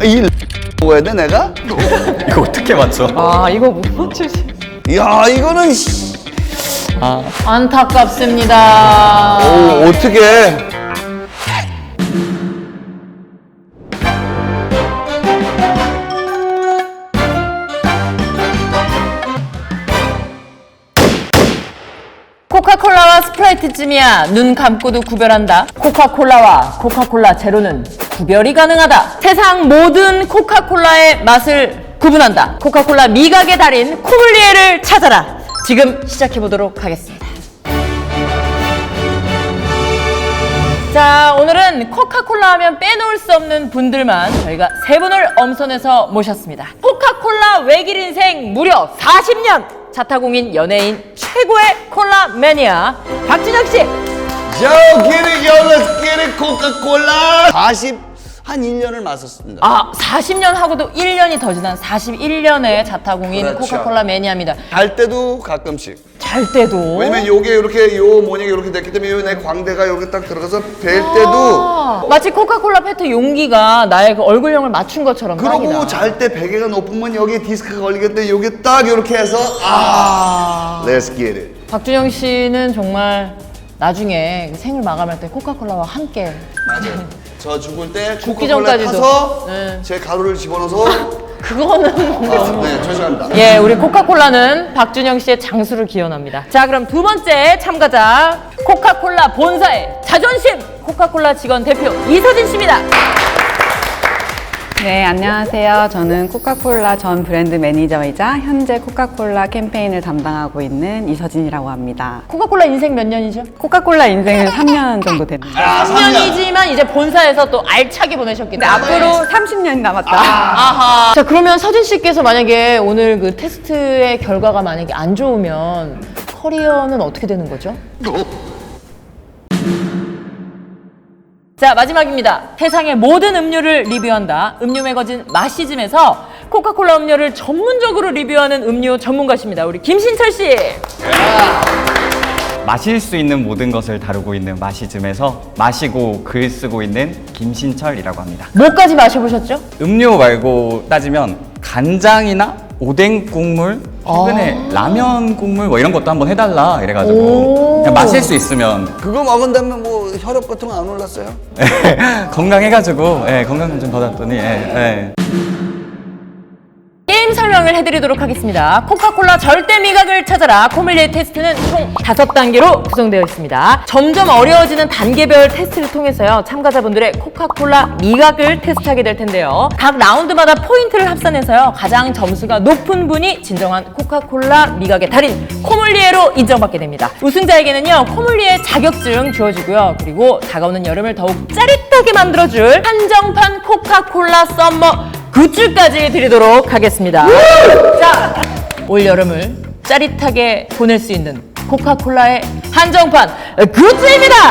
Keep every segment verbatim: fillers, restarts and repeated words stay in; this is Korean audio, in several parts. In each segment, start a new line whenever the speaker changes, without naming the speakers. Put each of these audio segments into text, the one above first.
이 뭐야 돼 내가?
이거 어떻게 맞춰?
아, 이거 못 맞추시.
야 이거는 씨.
아,
안타깝습니다.
오 어떻게?
코카콜라와 스프라이트쯤이야 눈 감고도 구별한다. 코카콜라와 코카콜라 제로는 구별이 가능하다. 세상 모든 코카콜라의 맛을 구분한다. 코카콜라 미각의 달인 코믈리에를 찾아라. 지금 시작해보도록 하겠습니다. 자, 오늘은 코카콜라 하면 빼놓을 수 없는 분들만 저희가 세 분을 엄선해서 모셨습니다. 코카콜라 외길 인생 무려 사십 년! 자타공인 연예인 최고의 콜라 매니아 박준혁 씨!
Yo, get it, yo, let's get it, 코카콜라. 사십 한 일 년을 마셨습니다.
아, 사십 년 하고도 일 년이 더 지난 사십일 년의 자타공인
그렇죠.
코카콜라 매니아입니다.
잘 때도 가끔씩.
잘 때도.
왜냐면 요게 이렇게 요 모양이 이렇게 됐기 때문에 요 내 광대가 이렇게 딱 들어가서 뵐 때도.
아, 마치 코카콜라 페트 용기가 나의 그 얼굴형을 맞춘 것처럼
그러고
딱이다.
잘 때 베개가 높으면 여기 디스크가 걸리겠는데 여기 딱 이렇게 해서 아, let's get it.
박준영 씨는 정말 나중에 생을 마감할 때 코카콜라와 함께
맞아요. 저 죽을 때
죽기
코카콜라
전까지도.
타서
네.
제 가루를 집어넣어서
그거는
아, 네, 죄송합니다.
예, 우리 코카콜라는 박준영 씨의 장수를 기원합니다. 자, 그럼 두 번째 참가자 코카콜라 본사의 자존심 코카콜라 직원 대표 이서진 씨입니다.
네, 안녕하세요. 저는 코카콜라 전 브랜드 매니저이자 현재 코카콜라 캠페인을 담당하고 있는 이서진이라고 합니다.
코카콜라 인생 몇 년이죠?
코카콜라 인생은 삼 년 정도 됩니다.
아,
삼 년이지만 이제 본사에서 또 알차게 보내셨기
근데
때문에
앞으로 삼십 년이 남았다.
아하. 자, 그러면 서진 씨께서 만약에 오늘 그 테스트의 결과가 만약에 안 좋으면 커리어는 어떻게 되는 거죠? 자, 마지막입니다. 세상의 모든 음료를 리뷰한다. 음료 매거진 마시즘에서 코카콜라 음료를 전문적으로 리뷰하는 음료 전문가십니다. 우리 김신철 씨.
마실 수 있는 모든 것을 다루고 있는 마시즘에서 마시고 글 쓰고 있는 김신철이라고 합니다.
뭐까지 마셔보셨죠?
음료 말고 따지면 간장이나 오뎅 국물, 최근에 라면 국물 뭐 이런 것도 한번 해달라 이래가지고 그냥 마실 수 있으면
그거 먹은 다음에 뭐 혈압 같은 거 안 올랐어요?
건강해가지고 예, 건강 좀 받았더니 예, 예.
게임 설명을 해드리도록 하겠습니다. 코카콜라 절대 미각을 찾아라 코믈리에 테스트는 총 다섯 단계로 구성되어 있습니다. 점점 어려워지는 단계별 테스트를 통해서요, 참가자분들의 코카콜라 미각을 테스트하게 될 텐데요. 각 라운드마다 포인트를 합산해서요, 가장 점수가 높은 분이 진정한 코카콜라 미각의 달인 코믈리에로 인정받게 됩니다. 우승자에게는요, 코믈리에 자격증 주어지고요. 그리고 다가오는 여름을 더욱 짜릿하게 만들어줄 한정판 코카콜라 썸머 굿즈까지 드리도록 하겠습니다. 자, 올 여름을 짜릿하게 보낼 수 있는 코카콜라의 한정판 굿즈입니다.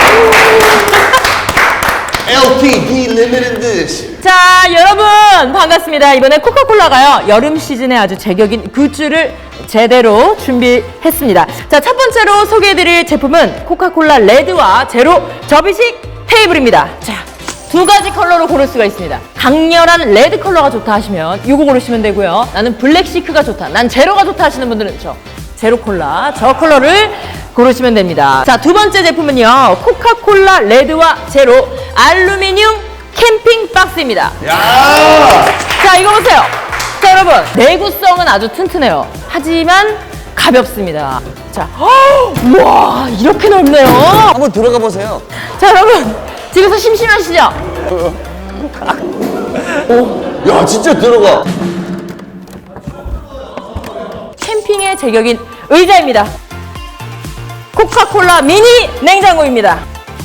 엘티디 Limited Dish.
자, 여러분 반갑습니다. 이번에 코카콜라가요, 여름 시즌에 아주 제격인 굿즈를 제대로 준비했습니다. 자, 첫 번째로 소개해드릴 제품은 코카콜라 레드와 제로 접이식 테이블입니다. 자, 두 가지 컬러로 고를 수가 있습니다. 강렬한 레드 컬러가 좋다 하시면 이거 고르시면 되고요. 나는 블랙 시크가 좋다, 난 제로가 좋다 하시는 분들은 저 제로 콜라, 저 컬러를 고르시면 됩니다. 자, 두 번째 제품은요, 코카콜라 레드와 제로 알루미늄 캠핑 박스입니다.
야!
자, 이거 보세요. 자, 여러분, 내구성은 아주 튼튼해요. 하지만 가볍습니다. 자, 허! 우와, 이렇게 넓네요.
한번 들어가 보세요.
자, 여러분, 집에서 심심하시죠?
야, 진짜 들어가.
캠핑의 제격인 의자입니다. 코카콜라 미니 냉장고입니다.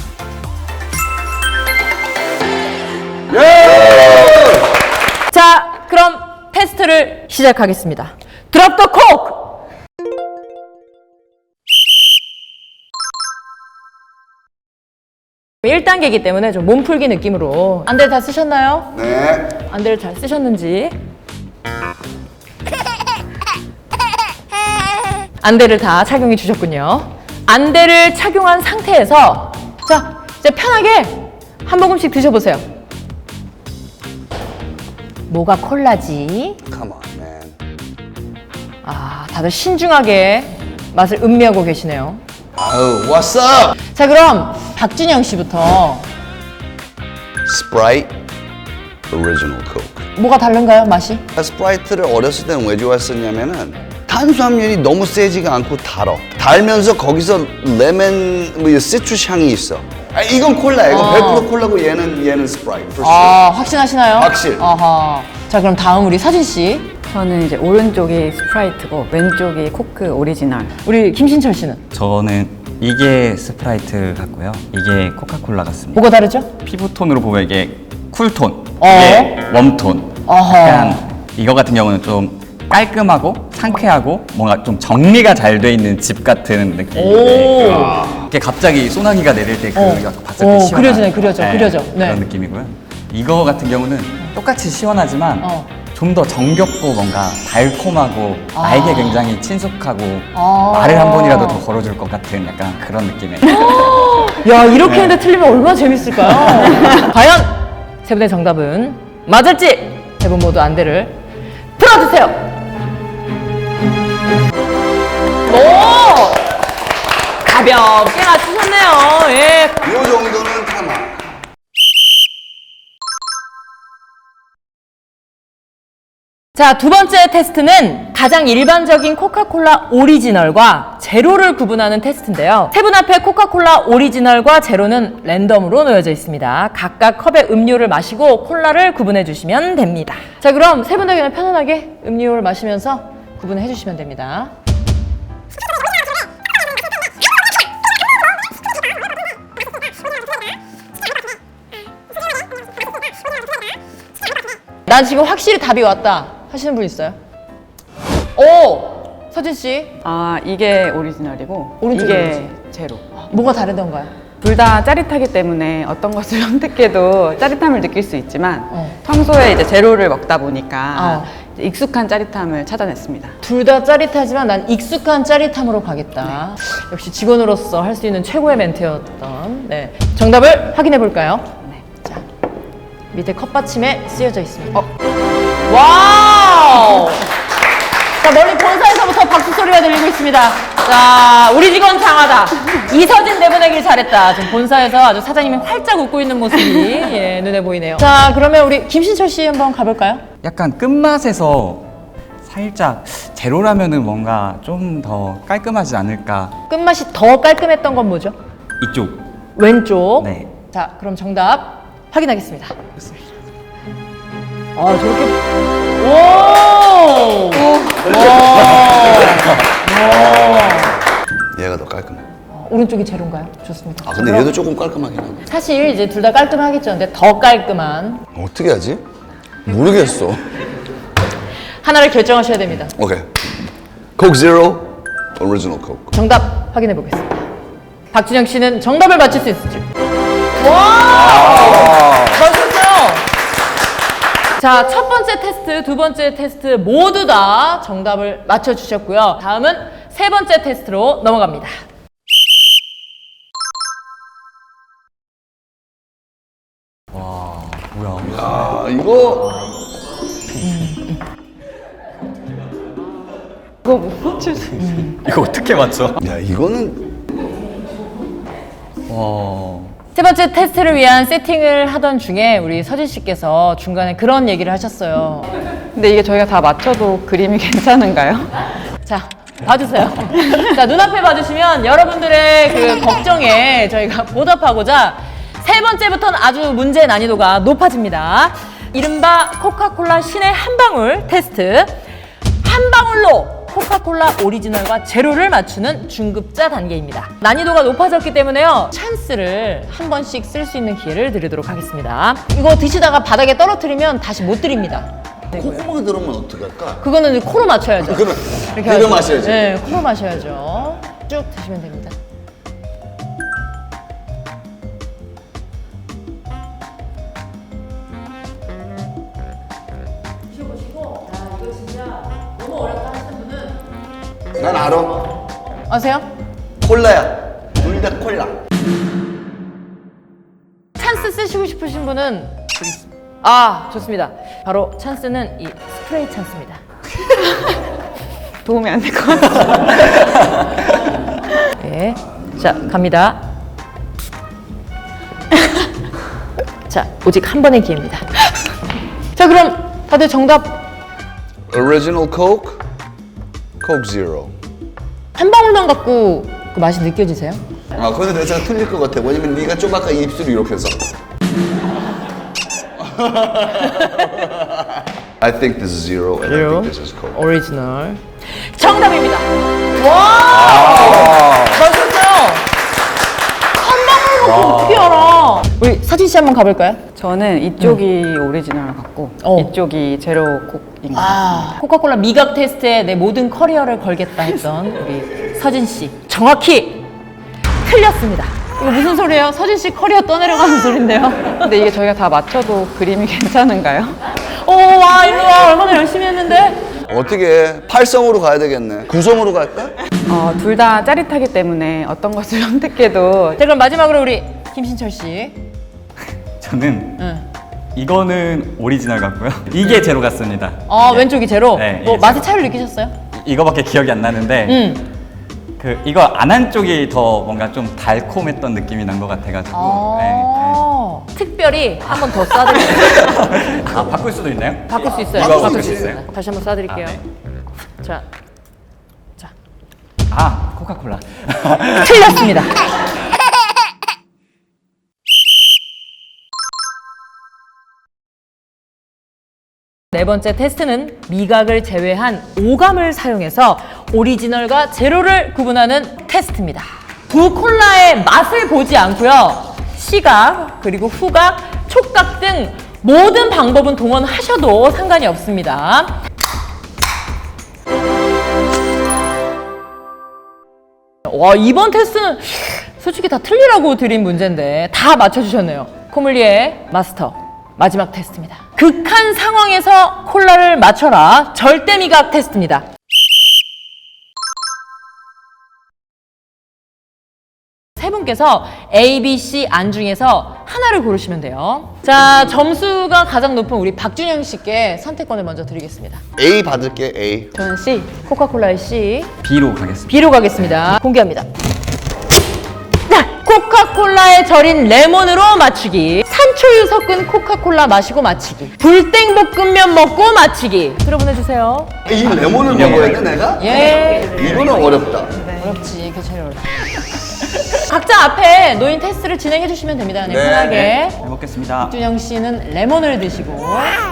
예!
자, 그럼 테스트를 시작하겠습니다. 드롭 더 코크! 일 단계이기 때문에 좀 몸풀기 느낌으로 안대를 다 쓰셨나요?
네.
안대를 잘 쓰셨는지. 안대를 다 착용해 주셨군요. 안대를 착용한 상태에서 자, 이제 편하게 한 모금씩 드셔보세요. 뭐가 콜라지?
Come on, man.
아, 다들 신중하게 맛을 음미하고 계시네요.
아우, what's up?
자, 그럼 박준영 씨부터
Sprite Original Coke.
뭐가 다른가요, 맛이?
스프라이트를 어렸을 때는 왜 좋아했었냐면은 탄수화물이 너무 세지가 않고 달어. 달면서 거기서 레몬, 뭐 시트러스 향이 있어. 아, 이건 콜라야. 이건
어.
백 퍼센트 콜라고 얘는 얘는 스프라이트. for sure.
아, 확신하시나요?
확실.
아하. 자, 그럼 다음 우리 서진 씨.
저는 이제 오른쪽이 스프라이트고 왼쪽이 코크 오리지널.
우리 김신철 씨는
저는 이게 스프라이트 같고요. 이게 코카콜라 같습니다.
뭐가 다르죠?
피부톤으로 보면 이게 쿨톤,
어.
이게 웜톤.
어허.
약간 이거 같은 경우는 좀 깔끔하고 상쾌하고 뭔가 좀 정리가 잘 돼 있는 집 같은 느낌인데
오.
이게 갑자기 소나기가 내릴 때그
어.
봤을
어,
때 시원한
그려지네, 그려져, 그려져. 네.
그런 느낌이고요. 이거 같은 경우는 똑같이 시원하지만
어.
좀 더 정겹고 뭔가 달콤하고
아.
나에게 굉장히 친숙하고
아.
말을 한 번이라도 더 걸어줄 것 같은 약간 그런 느낌의
야, 이렇게
네.
했는데 틀리면 얼마나 재밌을까요? 과연 세 분의 정답은 맞을지 세 분 모두 안대를 풀어주세요. 오! 가볍게 맞추셨네요. 예.
이 정도는 가만.
자, 두 번째 테스트는 가장 일반적인 코카콜라 오리지널과 제로를 구분하는 테스트인데요. 세 분 앞에 코카콜라 오리지널과 제로는 랜덤으로 놓여져 있습니다. 각각 컵에 음료를 마시고 콜라를 구분해 주시면 됩니다. 자, 그럼 세 분 다 그냥 편안하게 음료를 마시면서 구분해 주시면 됩니다. 난 지금 확실히 답이 왔다 하시는 분 있어요? 오! 서진 씨,
아, 이게 오리지널이고
오른쪽이
이게
오리지널.
제로.
뭐가 다르던가요?
둘 다 짜릿하기 때문에 어떤 것을 선택해도 짜릿함을 느낄 수 있지만
어.
평소에 이제 제로를 먹다 보니까
어.
이제 익숙한 짜릿함을 찾아냈습니다.
둘 다 짜릿하지만 난 익숙한 짜릿함으로 가겠다. 역시 직원으로서 할 수 있는 최고의 멘트였던. 네. 정답을 확인해 볼까요?
네.
자, 밑에 컵받침에 쓰여져 있습니다.
어.
와우! 자, 멀리 본사에서부터 박수 소리가 들리고 있습니다. 자, 우리 직원 장하다. 이서진 내보내길 잘했다. 지금 본사에서 아주 사장님이 활짝 웃고 있는 모습이 예, 눈에 보이네요. 자, 그러면 우리 김신철 씨 한번 가볼까요?
약간 끝맛에서 살짝 제로라면은 뭔가 좀 더 깔끔하지 않을까
끝맛이 더 깔끔했던 건 뭐죠?
이쪽.
왼쪽.
네.
자, 그럼 정답 확인하겠습니다. 아, 저렇게. 오!
얘가 더 깔끔해.
와. 오른쪽이 제로인가요? 좋습니다.
아 근데
그럼
얘도 조금 깔끔하긴 하네.
사실 이제 둘 다 깔끔하겠죠. 근데 더 깔끔한
어떻게 하지? 모르겠어.
하나를 결정하셔야 됩니다.
오케이. Coke Zero, Original Coke.
정답 확인해 보겠습니다. 박준영 씨는 정답을 맞힐 수 있을지. 와! 맞췄어요. 자, 첫 번째 테스트, 두 번째 테스트 모두 다 정답을 맞춰주셨고요. 다음은 세 번째 테스트로 넘어갑니다.
뭐야?
아 이거
그거 못 맞출 수 있어요.
이거 어떻게 맞춰?
야 이거는
와.
세 번째 테스트를 위한 세팅을 하던 중에 우리 서진 씨께서 중간에 그런 얘기를 하셨어요.
근데 이게 저희가 다 맞춰도 그림이 괜찮은가요?
자, 봐주세요. 자, 눈앞에 봐주시면 여러분들의 그 걱정에 저희가 보답하고자 세 번째부터는 아주 문제 난이도가 높아집니다. 이른바 코카콜라 신의 한 방울 테스트. 한 방울로 코카콜라 오리지널과 제로를 맞추는 중급자 단계입니다. 난이도가 높아졌기 때문에요. 찬스를 한 번씩 쓸 수 있는 기회를 드리도록 하겠습니다. 이거 드시다가 바닥에 떨어뜨리면 다시 못 드립니다.
콧구멍에 들어오면 어떡할까?
그거는 이제 코로 맞춰야죠.
그러면
이렇게
이거
하죠.
마셔야지.
네, 코로 마셔야죠. 쭉 드시면 됩니다. 드셔보시고, 야, 이거 진짜 너무 어렵다 하시는 분은
난 알아.
아세요?
콜라야. 둘 다 콜라.
찬스 쓰시고 싶으신 분은 아, 좋습니다. 바로 찬스는 이 스프레이 찬스입니다.
도움이 안 될 것 같아요.
네. 자, 갑니다. 자, 오직 한 번의 기회입니다. 자, 그럼 다들 정답
Original Coke, Coke Zero.
한 방울만 갖고 그 맛이 느껴지세요?
아, 근데 내가 틀릴 것 같아. 왜냐면 네가 좀 아까 입술이 이렇게 해서. I think this is zero, and I think this is Coke.
오리지널. 정답입니다. 와! 맞췄어요. 한 방울만 어떻게 알아? 우리 사진 씨 한번 가볼까요?
저는 이쪽이 오리지널 같고
어.
이쪽이 제로 콕인 것 같습니다.
아, 코카콜라 미각 테스트에 내 모든 커리어를 걸겠다 했던 우리 서진 씨. 정확히 틀렸습니다. 이거 무슨 소리예요? 서진 씨 커리어 떠내려가는 소린데요.
근데 이게 저희가 다 맞춰도 그림이 괜찮은가요?
오, 와, 일로 와. 얼마나 열심히 했는데.
어떻게 팔성으로 가야 되겠네. 구성으로 갈까?
어, 둘 다 짜릿하기 때문에 어떤 것을 선택해도
자, 그럼 마지막으로 우리 김신철 씨.
저는
응.
이거는 오리지널 같고요. 이게 제로 같습니다.
어,
네.
왼쪽이 제로.
네,
뭐
이게
맛의
제로.
차이를 느끼셨어요?
이- 이거밖에 기억이 안 나는데
응.
그 이거 안 한 쪽이 더 뭔가 좀 달콤했던 느낌이 난 것 같아가지고. 네, 네.
아, 특별히 한 번 더 쏴드릴게요.
아 바꿀 수도 있나요?
바꿀 수 있어요.
이거
바꿀
바꿀
수
수
있어요.
있어요?
다시 한번 쏴드릴게요.
아, 네.
자, 자,
아 코카콜라.
틀렸습니다. 네 번째 테스트는 미각을 제외한 오감을 사용해서 오리지널과 제로를 구분하는 테스트입니다. 두 콜라의 맛을 보지 않고요. 시각, 그리고 후각, 촉각 등 모든 방법은 동원하셔도 상관이 없습니다. 와, 이번 테스트는 솔직히 다 틀리라고 드린 문제인데 다 맞춰주셨네요. 코믈리에 마스터 마지막 테스트입니다. 극한 상황에서 콜라를 맞춰라 절대 미각 테스트입니다. 세 분께서 A, B, C 안 중에서 하나를 고르시면 돼요. 자, 점수가 가장 높은 우리 박준영 씨께 선택권을 먼저 드리겠습니다.
A 받을게, A.
저는 C.
코카콜라의 C,
B로 가겠습니다.
B로 가겠습니다. 공개합니다. 자, 코카콜라에 절인 레몬으로 맞추기, 산초유 섞은 코카콜라 마시고 맞추기, 불땡볶음면 먹고 맞추기. 들어보내주세요.
이 레몬을 먹어야 돼, 내가?
예.
이거는 어렵다.
어렵지, 그 제일 어렵다. 각자 앞에 놓인 테스트를 진행해 주시면 됩니다. 그냥
네.
편하게.
잘 먹겠습니다.
준영 씨는 레몬을 드시고,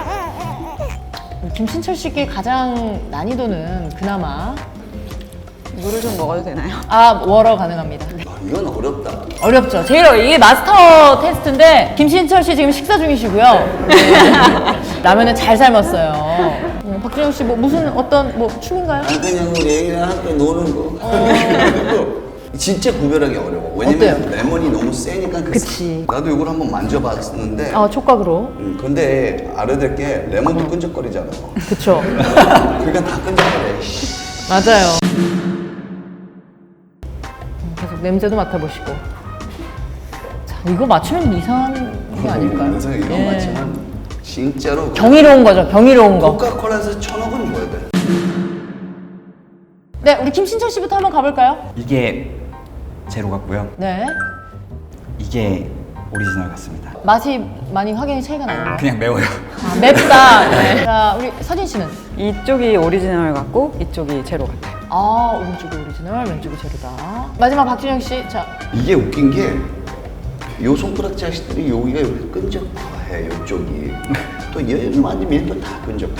김신철 씨께 가장 난이도는 그나마
물을 좀 먹어도 되나요?
아, 워러 가능합니다.
아, 이건 어렵다.
어렵죠. 제일 어려. 이게 마스터 테스트인데 김신철 씨 지금 식사 중이시고요. 네. 라면을 잘 삶았어요. 음, 박준영 씨 뭐 무슨 어떤 뭐 춤인가요?
아, 그냥 우리 애기랑 함께 노는 거. 진짜 구별하기 어려워. 왜냐면
어때요?
레몬이 너무 세니까. 그
그치.
나도 이걸 한번 만져봤었는데.
어, 촉각으로.
음, 근데 알아야 될 게 레몬도 끈적거리잖아.
그쵸.
그러니까 다 끈적거려.
맞아요. 계속 냄새도 맡아보시고. 자, 이거 맞추면 이상한 게 아닐까요?
그래서 이건
예.
맞지만 진짜로
경이로운 거죠. 경이로운 거.
코카콜라에서 천억은 줘야 돼.
네, 우리 김신철 씨부터 한번 가볼까요?
이게 제로 같고요.
네.
이게 오리지널 같습니다.
맛이 많이 확연히 차이가 나요.
그냥 매워요.
아, 맵다. 네. 자, 우리 서진 씨는?
이쪽이 오리지널 같고 이쪽이 제로 같아요.
아, 오른쪽이 오리지널, 왼쪽이 제로다. 마지막 박준영 씨. 자,
이게 웃긴 게 요 손가락 자식들이 여기가 이렇게 끈적해, 요쪽이. 또 얘를 만지면 또 다 끈적해.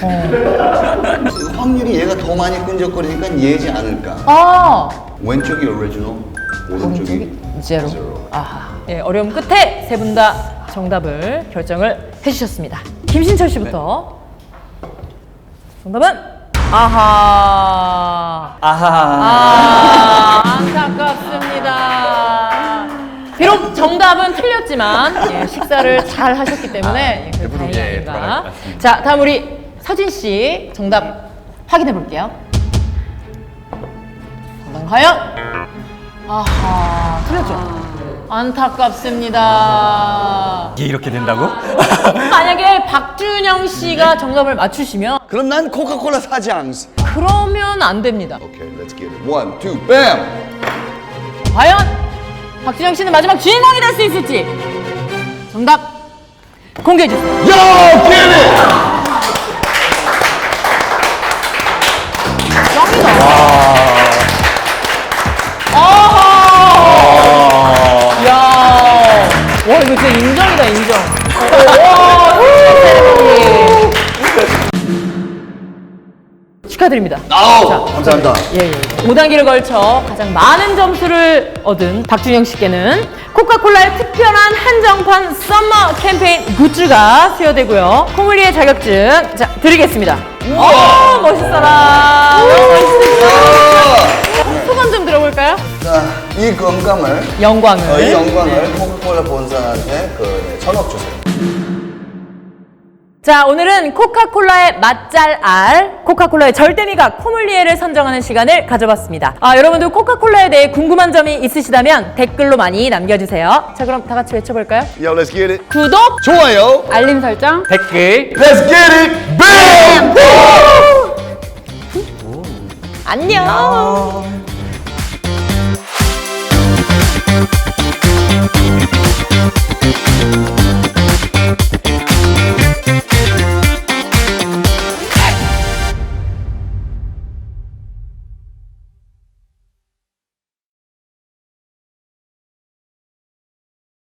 그 확률이 얘가 더 많이 끈적거리니까 얘지 않을까.
아,
왼쪽이 오리지널, 오른쪽이
오른쪽이 제로.
제로.
아하. 예, 어려움 끝에 세 분 다 정답을 결정을 해주셨습니다. 김신철 씨부터. 정답은? 아하.
아하.
아, 안타깝습니다. 비록 정답은 틀렸지만 예, 식사를 잘 하셨기 때문에 예, 그
배부르게
다행이
돌아갈
아닌가.
것 같습니다.
자, 다음 우리 서진 씨 정답 확인해 볼게요. 정답 과연? 아하, 틀렸죠? 안타깝습니다.
이게 이렇게 된다고?
만약에 박준영 씨가 정답을 맞추시면
그럼 난 코카콜라 사지 않습.
그러면 안 됩니다.
오케이, let's get it. One, two, bam.
과연 박준영 씨는 마지막 주인공이 될 수 있을지 정답 공개해 주세요.
Yo, get it.
짱이다. 아. 야. 와 이거 진짜 인정이다 인정. 와. 축하드립니다.
아우, 감사합니다.
예, 예. 오 단계를 걸쳐 가장 많은 점수를 얻은 박준영 씨께는 코카콜라의 특별한 한정판 썸머 캠페인 굿즈가 수여되고요. 코물리의 자격증 자 드리겠습니다. 오 멋있어라. 너무 멋있으시죠? 소감 좀 들어볼까요?
자, 이 건강을,
영광을.
어, 이 영광을 코카콜라 본사한테 그 네, 천억 주세요.
자, 오늘은 코카콜라의 맛잘 알, 코카콜라의 절대미각 코물리에를 선정하는 시간을 가져봤습니다. 아, 여러분들 코카콜라에 대해 궁금한 점이 있으시다면 댓글로 많이 남겨주세요. 자, 그럼 다 같이 외쳐볼까요?
Yo, let's get it.
구독,
좋아요.
알림 설정.
댓글
Let's get it. Bam.
안녕.
아.